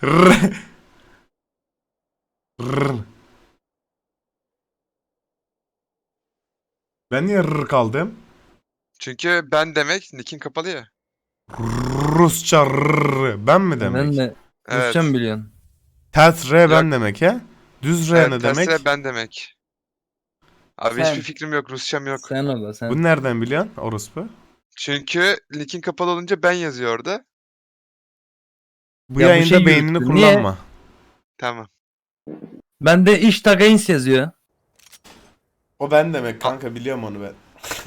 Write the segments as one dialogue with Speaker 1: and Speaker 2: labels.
Speaker 1: Rrr. Rrr. Ben niye rrr kaldım?
Speaker 2: Çünkü ben demek nickin kapalı ya.
Speaker 1: Rusça rrr. Ben mi demek?
Speaker 3: Ben de
Speaker 2: Evet.
Speaker 3: Rusça mı biliyorsun?
Speaker 1: Ters R ben
Speaker 2: Yok.
Speaker 1: demek he? Düz R
Speaker 2: Evet,
Speaker 1: ne
Speaker 2: tersine
Speaker 1: demek?
Speaker 2: ben demek. Abi
Speaker 3: Sen.
Speaker 2: hiçbir fikrim yok. Rusçam yok.
Speaker 3: Sen o da sen.
Speaker 1: Bunu nereden biliyorsun orospu?
Speaker 2: Çünkü nickin kapalı olunca ben yazıyor orada.
Speaker 1: Bu
Speaker 3: Ya bu
Speaker 1: yayında
Speaker 3: şey
Speaker 1: beynini
Speaker 3: yürüttü. Niye?
Speaker 1: kullanma.
Speaker 2: Tamam.
Speaker 3: Bende iş tagayins yazıyor.
Speaker 1: O ben demek kanka, biliyorum onu ben.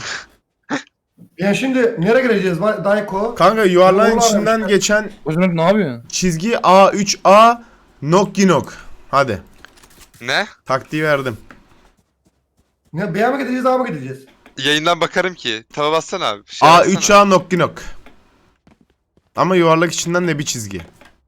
Speaker 4: Ya şimdi nereye gireceğiz Dayko?
Speaker 1: Kanka yuvarlağın
Speaker 4: Doğru
Speaker 1: içinden
Speaker 4: aramışlar.
Speaker 1: geçen
Speaker 3: Bocanak ne yapıyorsun?
Speaker 1: çizgi A3A Nokginok. Hadi.
Speaker 2: Ne?
Speaker 1: Taktiği verdim.
Speaker 4: Ne B'ye mi gideceğiz A'ya mı gideceğiz?
Speaker 2: Yayından bakarım ki. Tava bassana abi. Bir şey bassana.
Speaker 1: A3A Nokginok. Ama yuvarlak içinden de bir çizgi.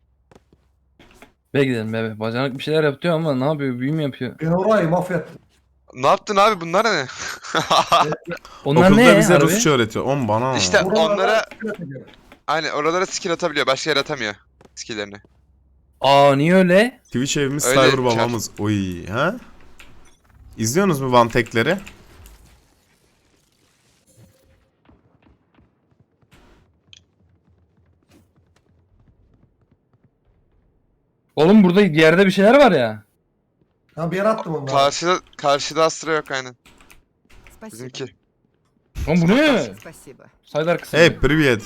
Speaker 3: Be gidelim bebe. Bacanak bir şeyler yapıyor ama ne yapıyor? Büyü mü yapıyor?
Speaker 4: Ben orayı mahvettim.
Speaker 2: Ne yaptın abi? Bunlar ne?
Speaker 3: Onlar
Speaker 1: Okulda
Speaker 3: ne
Speaker 1: bize
Speaker 3: harbi?
Speaker 1: Rusça öğretiyor. Oğlum bana.
Speaker 2: İşte
Speaker 4: Oralarda
Speaker 2: onlara
Speaker 4: üreteceğim.
Speaker 2: hani oralara skill atabiliyor. Başka yere atamıyor skill'lerini.
Speaker 3: Aa niye öyle?
Speaker 1: Twitch evimiz
Speaker 2: Öyle
Speaker 1: Cyber
Speaker 2: çar.
Speaker 1: babamız. Oy ha? İzliyorsunuz mu Vantekleri?
Speaker 3: Oğlum burada yerde bir şeyler var ya.
Speaker 4: Ha bir yere attım onları.
Speaker 2: Karşıda Astra yok aynen.
Speaker 5: Спасибо.
Speaker 2: Bizimki.
Speaker 3: Oğlum bu ne?
Speaker 5: Спасибо.
Speaker 3: Saydar kısmı.
Speaker 1: Hey привет.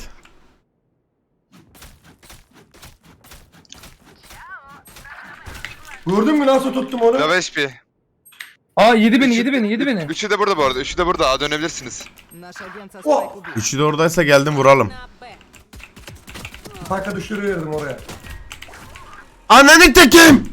Speaker 4: Gördün mü nasıl tuttum onu?
Speaker 2: Lava HP.
Speaker 3: Aa yedi beni yedi beni yedi beni.
Speaker 2: Üçü de burada bu arada. Üçü de burada. Aa, dönebilirsiniz.
Speaker 5: Наш агент со
Speaker 4: О!
Speaker 5: Спайк убит.
Speaker 1: Üçü de oradaysa geldim vuralım.
Speaker 4: Spike'a düşürüverdim oraya.
Speaker 1: Ananı tekim!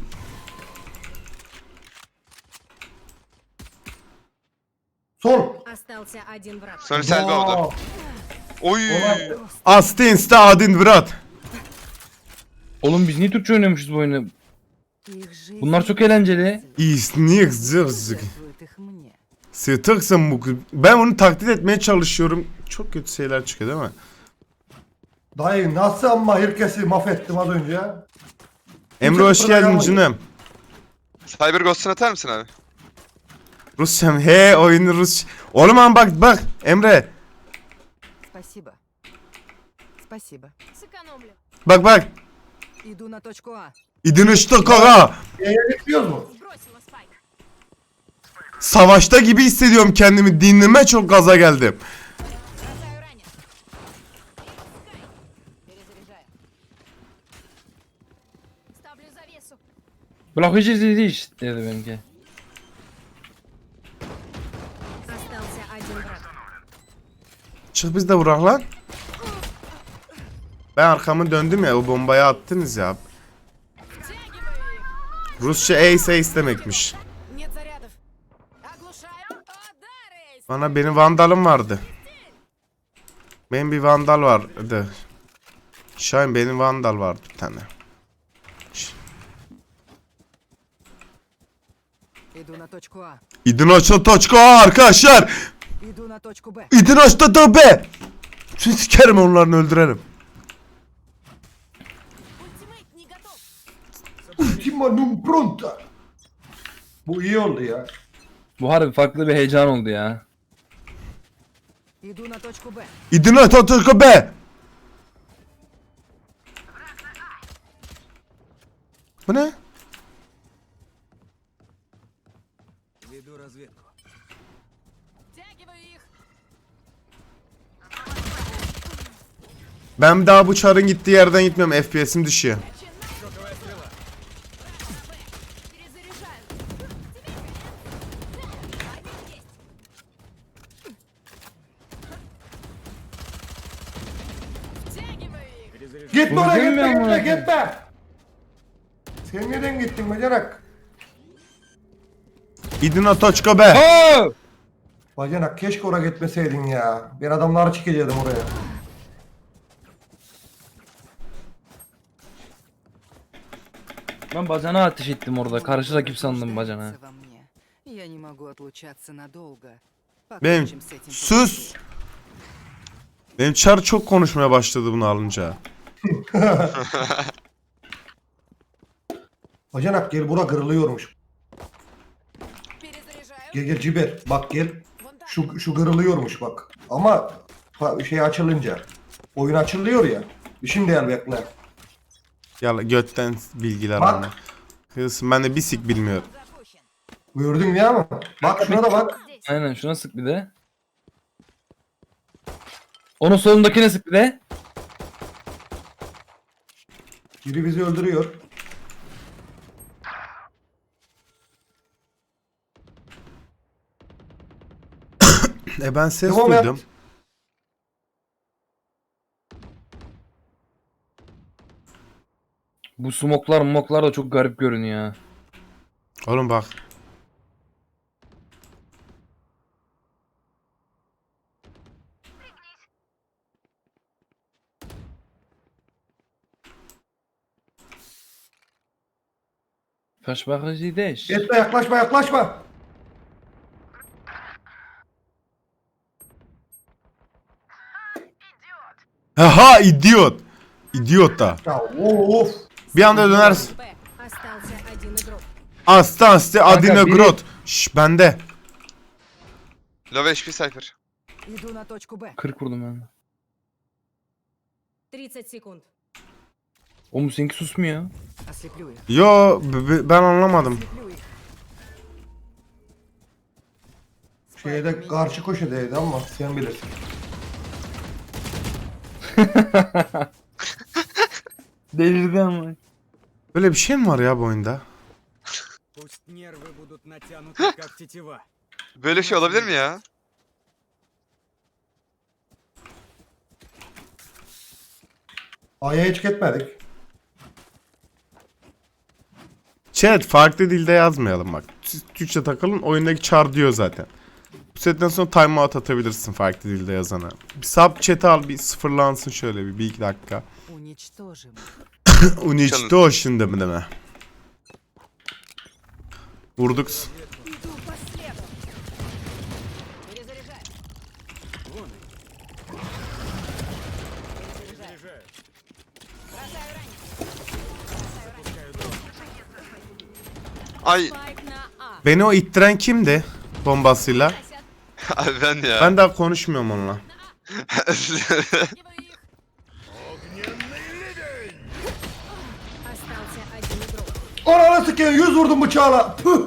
Speaker 4: Sol.
Speaker 6: Остался один враг.
Speaker 2: Sonra Selvi oldu.
Speaker 4: Wow.
Speaker 2: Oy.
Speaker 4: Olay-
Speaker 1: Astinsta adin vrat.
Speaker 3: Oğlum biz niye Türkçe oynuyormuşuz bu oyunu?
Speaker 5: Их жизнь
Speaker 3: Bunlar çok eğlenceli.
Speaker 1: İsnik zırzik.
Speaker 5: жертвует их мне.
Speaker 1: Sıtıksın bu kız. Ben onu taklit etmeye çalışıyorum. Çok kötü şeyler çıkıyor değil mi?
Speaker 4: Dayı nasıl ama herkesi mahvettim az önce ya.
Speaker 1: Emre hoş geldin canım.
Speaker 2: Cyber Ghost'unu atar mısın abi?
Speaker 1: Rusçam he oyunu Rus. Oğlum ama bak Emre.
Speaker 5: Спасибо. Спасибо.
Speaker 6: Сэкономлю.
Speaker 1: Bak.
Speaker 5: Иду на точку А.
Speaker 1: İdin işte kaka.
Speaker 4: B'ye bekliyoruz mu?
Speaker 6: Сбросила спайк.
Speaker 1: Savaşta gibi hissediyorum kendimi. Dinleme çok gaza geldim.
Speaker 6: Бросаю ранее. Перезаряжаю. Ставлю завесу.
Speaker 3: Bırakıcı iş dedi benimki.
Speaker 6: Остался один враг.
Speaker 1: Çık biz de vurak lan. Ben arkamı döndüm ya, o bombayı attınız ya.
Speaker 6: Втягиваю их.
Speaker 1: Rusça ace demekmiş.
Speaker 6: Нет зарядов. Оглушаю. Удар, Эйс.
Speaker 1: Bana benim vandalım vardı. Benim bir vandal vardı. Şahin benim vandal vardı bir tane.
Speaker 5: Иду на точку А.
Speaker 1: İdin açta toçko arkadaşlar.
Speaker 5: Иду на точку Б.
Speaker 1: İdin açta da be. Şimdi sikerim onlarını öldürelim.
Speaker 6: Ультимейт не готов.
Speaker 4: Ultima non pronta. Bu iyi oldu ya.
Speaker 3: Bu harbi farklı bir heyecan oldu ya.
Speaker 5: Иду на точку Б.
Speaker 1: İdin açta toçko be. Bu ne?
Speaker 6: Втягиваю их.
Speaker 1: Ben daha bu çarın gittiği yerden gitmiyorum. FPS'im düşüyor.
Speaker 6: Перезаряжаю. Втягиваю их.
Speaker 4: Gitme
Speaker 3: Bu
Speaker 4: oraya
Speaker 3: bizim mi
Speaker 4: gitme
Speaker 3: amına
Speaker 4: gitme gitme. Sen nereden gittin bacanak?
Speaker 1: İdin toçko be.
Speaker 3: Aa!
Speaker 4: Bacanak keşke oraya gitmeseydin ya. Ben adamları çekecektim oraya.
Speaker 3: Ben bacana ateş ettim orada. Karşı rakip sandım bacana.
Speaker 5: Во мне. Я не могу отлучаться надолго.
Speaker 1: Benim
Speaker 5: Покончим с этим
Speaker 1: sus. Benim çar çok konuşmaya başladı bunu alınca.
Speaker 4: Bacanak gel bura kırılıyormuş.
Speaker 6: Перезаряжаю.
Speaker 4: Gel Ciber bak gel.
Speaker 6: Вон так.
Speaker 4: Şu kırılıyormuş bak. Ama şey açılınca. Oyun açılıyor ya. Şimdi gel bekle.
Speaker 1: Ya götten bilgiler
Speaker 4: Bak.
Speaker 1: bana. Kız ben de bir sik bilmiyorum.
Speaker 6: Запущен.
Speaker 4: Gördün ya mı? Bak şuna da bak.
Speaker 6: Здесь.
Speaker 3: Aynen şuna sık bir de. Onun solundakine sık bir de.
Speaker 4: Biri bizi öldürüyor.
Speaker 1: Ben ses
Speaker 4: Devam et.
Speaker 1: duydum.
Speaker 3: Bu smoklar da çok garip görünüyor.
Speaker 1: Oğlum bak.
Speaker 3: Kaç Sie dich?
Speaker 4: Etme yaklaşma yaklaşma.
Speaker 1: Aha idiot. İdiot da.
Speaker 4: Ya of.
Speaker 1: Bir anda dönersin.
Speaker 6: Б. Остался один игрок.
Speaker 1: Astanste adine
Speaker 3: biri-
Speaker 1: grot. Şş bende.
Speaker 2: Low HP Cypher.
Speaker 5: Иду на точку Б.
Speaker 3: 40 vurdum ben.
Speaker 6: 30 секунд.
Speaker 3: Oğlum seninki susmuyor.
Speaker 5: Ослеплю их.
Speaker 1: Yo ben anlamadım.
Speaker 5: Ослеплю их.
Speaker 4: Şeyde karşı köşedeydi ama sen bilirsin.
Speaker 3: Delirdi ama.
Speaker 1: Böyle bir şey mi var ya bu oyunda?
Speaker 7: Пусть нервы будут натянуты, как тетива.
Speaker 2: Böyle şey olabilir mi ya?
Speaker 4: A'ya hiç gitmedik.
Speaker 1: Chat farklı dilde yazmayalım bak. Siz Türkçe takılın oyundaki char diyor zaten. Bu setten sonra timeout atabilirsin farklı dilde yazana. Bir sub chat al bir sıfırlansın şöyle bir iki dakika.
Speaker 5: Уничтожим.
Speaker 1: Unичтожен mi deme. Vurduk.
Speaker 6: Иду по следу. Перезаряжаю.
Speaker 7: Вон и
Speaker 6: Перезаряжаю.
Speaker 7: заряжаю.
Speaker 6: Бросаю ранить.
Speaker 7: Пускаю дрон.
Speaker 2: Ay
Speaker 6: Спайк на А.
Speaker 1: Beni o ittiren kimdi? Bombasıyla.
Speaker 6: Гасят.
Speaker 2: abi ben ya.
Speaker 1: Ben daha konuşmuyorum onunla.
Speaker 6: Стягиваю их. Остался один игрок.
Speaker 4: Ananı sikeyim 100 vurdum bıçağla. Püh.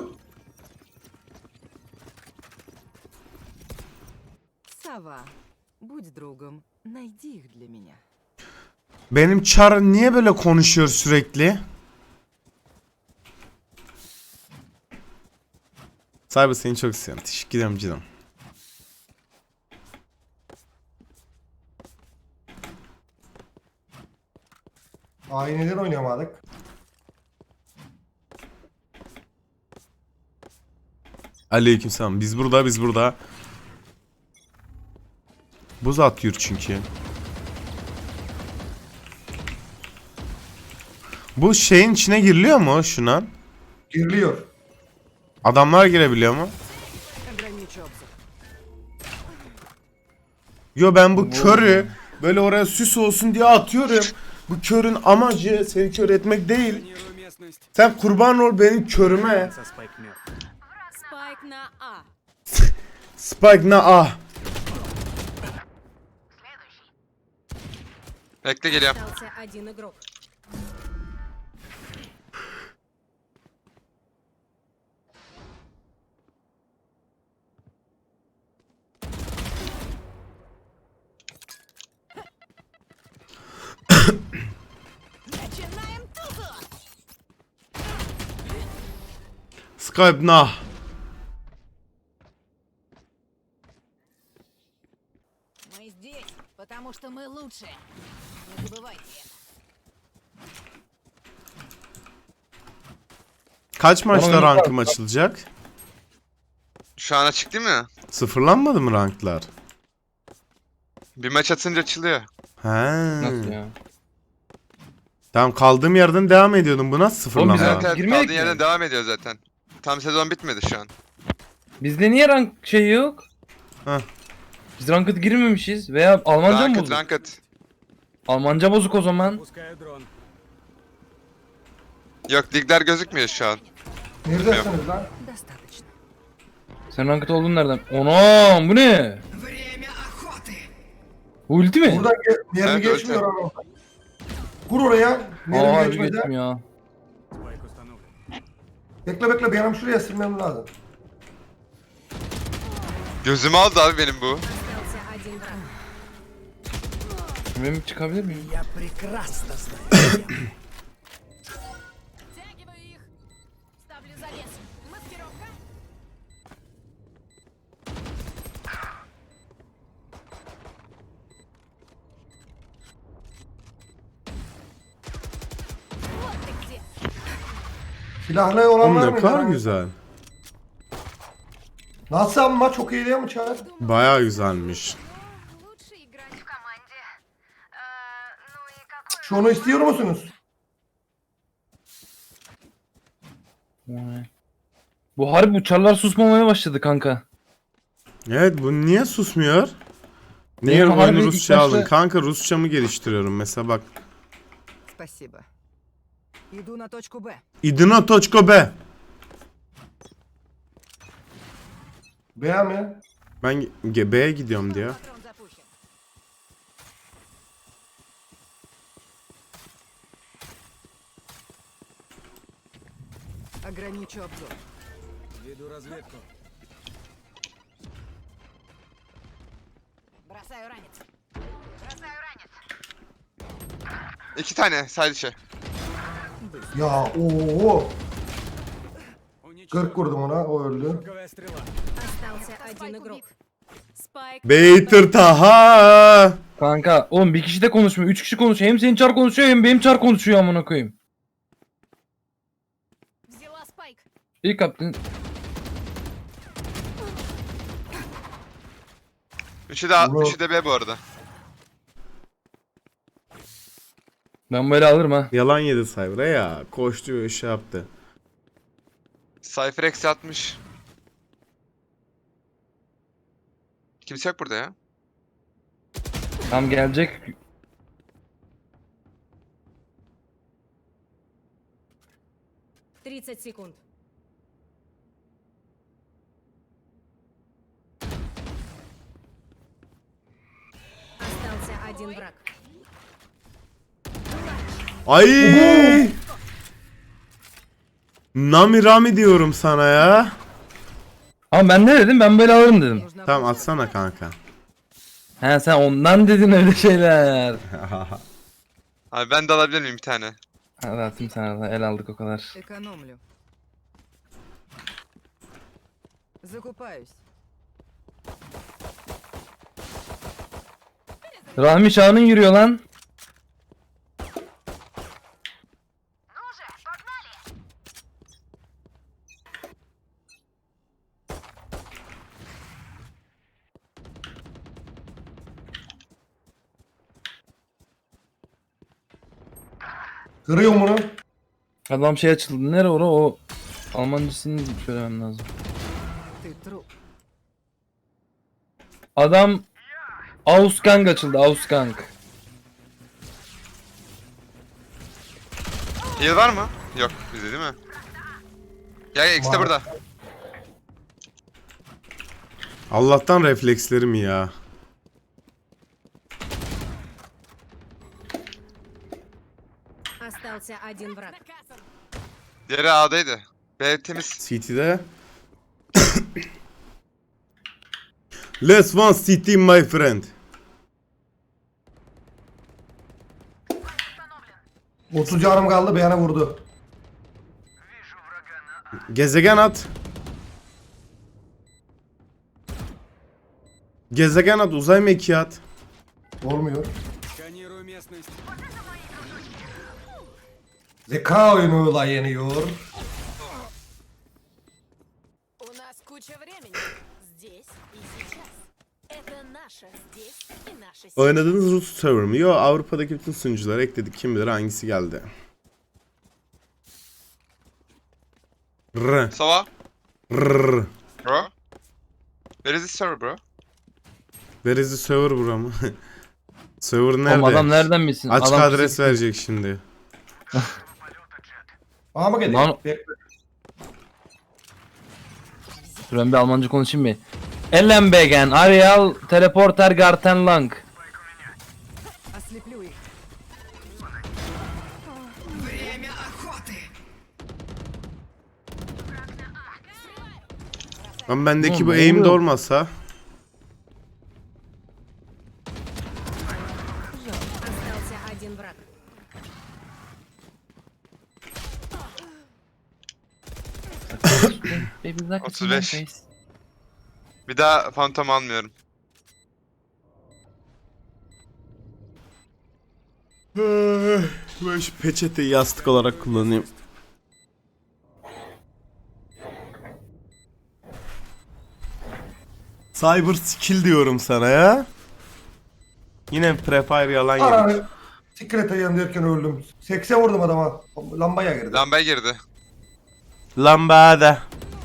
Speaker 5: Сова, будь другом. Найди их для меня.
Speaker 1: Benim char niye böyle konuşuyor sürekli? Cyber seni çok seviyorum. Teşekkür ederim canım.
Speaker 4: A'yı neden oynayamadık?
Speaker 1: Aleykümselam. Biz burada. Buz atıyor çünkü. Bu şeyin içine giriliyor mu şuna?
Speaker 4: Giriliyor.
Speaker 1: Adamlar girebiliyor mu?
Speaker 5: Ограничу обзор.
Speaker 1: Yo ben bu körü böyle oraya süs olsun diye atıyorum. Bu körün amacı seni kör etmek değil.
Speaker 7: Сканирую местность.
Speaker 1: Sen kurban ol benim körüme.
Speaker 7: Со спайк мертв.
Speaker 6: Спайк на А.
Speaker 1: Spike na ah.
Speaker 2: Bekle geliyorum.
Speaker 6: Остался один игрок. Начинаем тухо!
Speaker 1: Skype na.
Speaker 6: Мы здесь, потому что мы лучшие. Не забывайте это.
Speaker 1: Kaç maçta
Speaker 3: Ama
Speaker 1: rankım açılacak?
Speaker 2: Şu an açık değil mi?
Speaker 1: Sıfırlanmadı mı ranklar?
Speaker 2: Bir maç atınca açılıyor.
Speaker 1: He.
Speaker 3: Nasıl ya?
Speaker 1: Tamam kaldığım yerden devam ediyordum. Bu nasıl sıfırlama?
Speaker 3: Oğlum biz
Speaker 2: Evet evet
Speaker 3: Girmedik
Speaker 2: kaldığın
Speaker 3: mi?
Speaker 2: yerden devam ediyor zaten. Tam sezon bitmedi şu an.
Speaker 3: Bizde niye rank şey yok?
Speaker 1: Heh.
Speaker 3: Biz ranked girmemişiz veya Almanca mı
Speaker 2: Ranked
Speaker 3: bozuk?
Speaker 2: ranked.
Speaker 3: Almanca bozuk o zaman.
Speaker 7: Пускаю дрон.
Speaker 2: Yok ligler gözükmüyor şu an.
Speaker 4: Neredesiniz lan?
Speaker 5: Достаточно.
Speaker 3: Sen ranked olduğun nereden? Anam bu ne? Bu ulti mi?
Speaker 4: Buradan mermi
Speaker 2: Evet,
Speaker 4: geçmiyor ama. Kur oraya.
Speaker 3: Aa
Speaker 4: Mermi
Speaker 3: harbi
Speaker 4: geçmeden.
Speaker 3: geçtim ya.
Speaker 7: Спайк установлен.
Speaker 4: Bekle benim şuraya silmem lazım.
Speaker 2: Gözümü aldı abi benim bu.
Speaker 6: Остался один враг.
Speaker 3: Benim çıkabilir miyim?
Speaker 6: Втягиваю их. Ставлю завес. Маскировка. Вот ты где.
Speaker 4: Silahlı olan
Speaker 1: Oğlum
Speaker 4: var
Speaker 1: ne
Speaker 4: mı?
Speaker 1: kadar güzel.
Speaker 4: Nasıl ama çok iyi değil mi Çağrı?
Speaker 1: Baya güzelmiş.
Speaker 6: Лучше играть в
Speaker 4: Şunu istiyor musunuz?
Speaker 3: Vay. Bu harbi uçarlar susmamaya başladı kanka.
Speaker 1: Evet bu niye susmuyor? Niye
Speaker 3: Benim
Speaker 1: oyunu
Speaker 3: harbi ilk
Speaker 1: Rusça
Speaker 3: başta-
Speaker 1: aldın? Kanka Rusçamı geliştiriyorum mesela bak.
Speaker 5: Спасибо. Иду на точку Б.
Speaker 1: İdina Toçko be.
Speaker 4: Beğe mi?
Speaker 1: Ben B'ye gidiyorum diyor.
Speaker 6: Патрон запущен.
Speaker 5: Ограничу обзор.
Speaker 7: Веду разведку.
Speaker 6: Бросаю ранец.
Speaker 2: İki tane side içi.
Speaker 4: Ya ooo.
Speaker 7: Уничтожен.
Speaker 4: 40 vurdum ona o öldü.
Speaker 7: Шоковая стрела.
Speaker 6: Остался один игрок. Спайк.
Speaker 1: Beytir taha.
Speaker 3: Kanka oğlum bir kişi de konuşmuyor. 3 kişi konuşuyor. Hem senin çar konuşuyor hem benim çar konuşuyor amına koyayım.
Speaker 6: Взяла спайк.
Speaker 3: İlk yaptın.
Speaker 2: Üçü de A,
Speaker 4: Bu-
Speaker 2: üçü de B bu arada.
Speaker 3: Ben böyle alırım ha.
Speaker 1: Yalan yedi Cyber'a ya. Koştu ve şey yaptı.
Speaker 2: Cypher eksi 60. Kimse yok burada ya.
Speaker 3: Tam gelecek.
Speaker 6: Тридцать секунд. Остался один враг.
Speaker 1: Ay! Nami Rami diyorum sana ya.
Speaker 3: Ama ben ne dedim? Ben böyle alırım dedim.
Speaker 5: Нужно
Speaker 1: Tamam atsana kanka.
Speaker 3: He sen ondan dedin öyle şeyler.
Speaker 2: Abi ben de alabilir miyim bir tane?
Speaker 3: Hadi atayım sana da el aldık o kadar.
Speaker 5: Экономлю. Закупаюсь.
Speaker 3: Rahmi Şahan'ın yürüyor lan.
Speaker 4: Kırıyorum bunu.
Speaker 3: Adam şey açıldı. Nere ora o Almancasını söylemem lazım.
Speaker 5: Ты труп.
Speaker 3: Adam Ausgang açıldı. Ausgang.
Speaker 2: Heal var mı? Yok bizde değil mi? Ya ikisi de
Speaker 4: Var.
Speaker 2: burada.
Speaker 1: Allah'tan reflekslerim ya.
Speaker 6: Остался один враг.
Speaker 2: Diğeri A'daydı. B temiz.
Speaker 1: CT'de. Let's one CT my friend.
Speaker 4: 30 canım kaldı beğene vurdu.
Speaker 1: Gezegen at. Gezegen at, uzay mekiği at.
Speaker 4: Olmuyor.
Speaker 7: Сканирую местность.
Speaker 4: Zeka oyunuyla yeniyor.
Speaker 6: У нас куча времени. Здесь и сейчас. Это наше здесь и наше сейчас.
Speaker 1: Oynadığınız Rus server mi? Yo, Avrupa'daki bütün sunucuları ekledik. Kim bilir hangisi geldi. R.
Speaker 2: Sova.
Speaker 1: R.
Speaker 2: Bro. Where is this server bro?
Speaker 1: Where is the server bro mu? Server nerede?
Speaker 3: Oğlum adam nereden bilsin?
Speaker 1: Açık
Speaker 3: Adam
Speaker 1: adres verecek şimdi.
Speaker 4: Aha mı
Speaker 3: Lan-
Speaker 4: geliyor? Bekle.
Speaker 3: Dur ben bir Almanca konuşayım bir. Ellenbegen, Arial, Teleporter, Garten Lang.
Speaker 5: Ослеплю их.
Speaker 1: Lan bendeki
Speaker 3: Lan
Speaker 1: bu
Speaker 3: ne
Speaker 1: aim de
Speaker 3: oluyor?
Speaker 1: olmasa.
Speaker 6: Остался один враг.
Speaker 3: Baby, like
Speaker 2: 35. Bir daha Phantom almıyorum.
Speaker 1: Ben şu peçeteyi yastık olarak kullanayım. Cyber skill diyorum sana ya. Yine prefire yalan yemiş.
Speaker 4: Ananı sikrete yanıyorken öldüm. 80 vurdum adama. Lambaya girdi.
Speaker 2: Lambaya girdi.
Speaker 1: Lambada.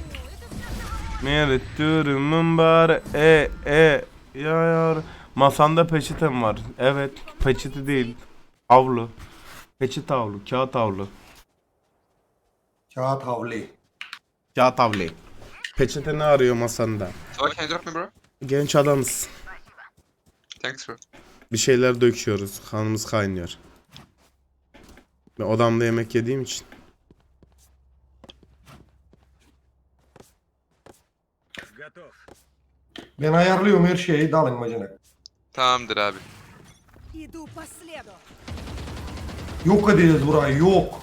Speaker 1: Mere durumun bari yar. Masanda peçetem var. Evet, peçete değil. Havlu. Peçete havlu, kağıt havlu.
Speaker 4: Kağıt havli.
Speaker 1: Kağıt havlu. Peçete ne arıyor masanda?
Speaker 2: So can you drop me bro?
Speaker 1: Genç adamız.
Speaker 2: Thanks bro.
Speaker 1: Bir şeyler döküyoruz. Kanımız kaynıyor. Ben odamda yemek yediğim için.
Speaker 7: Готов.
Speaker 4: Ben ayarlıyorum her şeyi. Dalın bacanak.
Speaker 2: Tamamdır abi.
Speaker 5: Иду по следу.
Speaker 4: Yok edeceğiz burayı. Yok.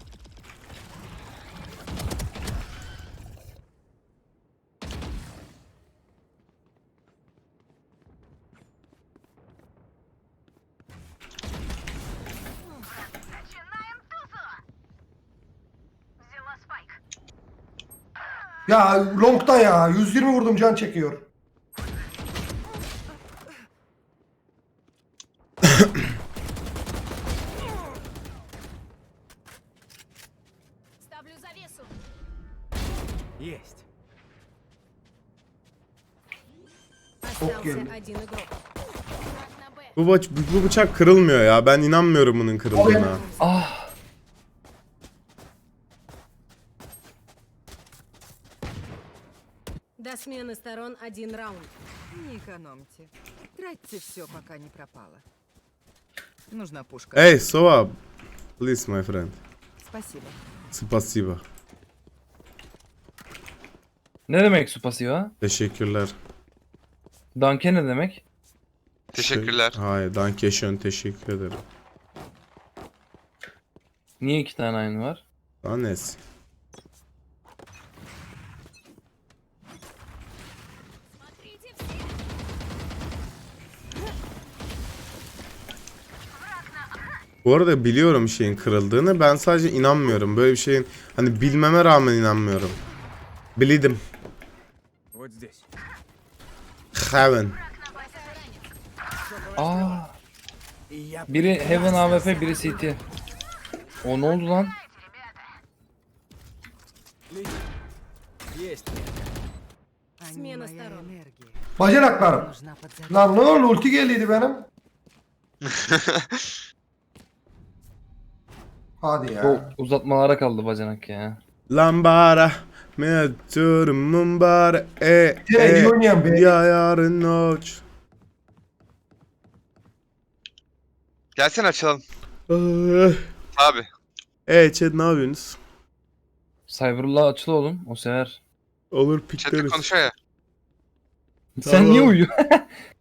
Speaker 4: Ya longta ya. 120 vurdum can çekiyor.
Speaker 6: Ставлю завесу.
Speaker 7: Есть.
Speaker 6: Остался
Speaker 4: geldi.
Speaker 6: один игрок. Враг на Б.
Speaker 1: Bu bıçak kırılmıyor ya. Ben inanmıyorum bunun kırıldığına.
Speaker 3: Ah.
Speaker 6: До смены сторон один раунд.
Speaker 5: Не экономьте. Тратьте все, пока не пропало. Нужна пушка.
Speaker 1: Hey, Sova. Please my friend.
Speaker 5: Спасибо.
Speaker 1: Spasiba.
Speaker 3: Ne demek su pasiva?
Speaker 1: Teşekkürler.
Speaker 3: Danke ne demek?
Speaker 2: Teşekkürler.
Speaker 1: Hayır, Dankeschön, teşekkür ederim.
Speaker 3: Niye iki tane aynı var?
Speaker 1: Anes.
Speaker 6: Смотрите все.
Speaker 1: Bu arada biliyorum şeyin kırıldığını. Ben sadece inanmıyorum. Böyle bir şeyin hani bilmeme rağmen inanmıyorum. Bildim.
Speaker 7: Вот здесь.
Speaker 1: Heaven.
Speaker 3: Aa.
Speaker 7: И я
Speaker 3: Biri Heaven AWP, biri CT. O ne oldu lan?
Speaker 7: есть.
Speaker 5: Они
Speaker 6: Смена
Speaker 5: моя
Speaker 6: сторон.
Speaker 5: энергия.
Speaker 4: Bacanaklarım.
Speaker 5: Нужна подзарядка.
Speaker 4: Lan ne oldu? Ulti geldiydi benim. Hadi ya.
Speaker 3: O uzatmalara kaldı bacanak ya.
Speaker 1: Lambara. Meturum bar
Speaker 4: Direkt oynayan be.
Speaker 1: ya yarın noç.
Speaker 2: Gelsene açalım. Abi.
Speaker 1: Chat ne yapıyorsunuz?
Speaker 3: Cyber'la açıl oğlum. O sever.
Speaker 1: Olur
Speaker 2: Chat'te
Speaker 1: pikleriz.
Speaker 2: konuşuyor ya.
Speaker 3: Sen niye
Speaker 1: Tamam.
Speaker 3: uyuyorsun?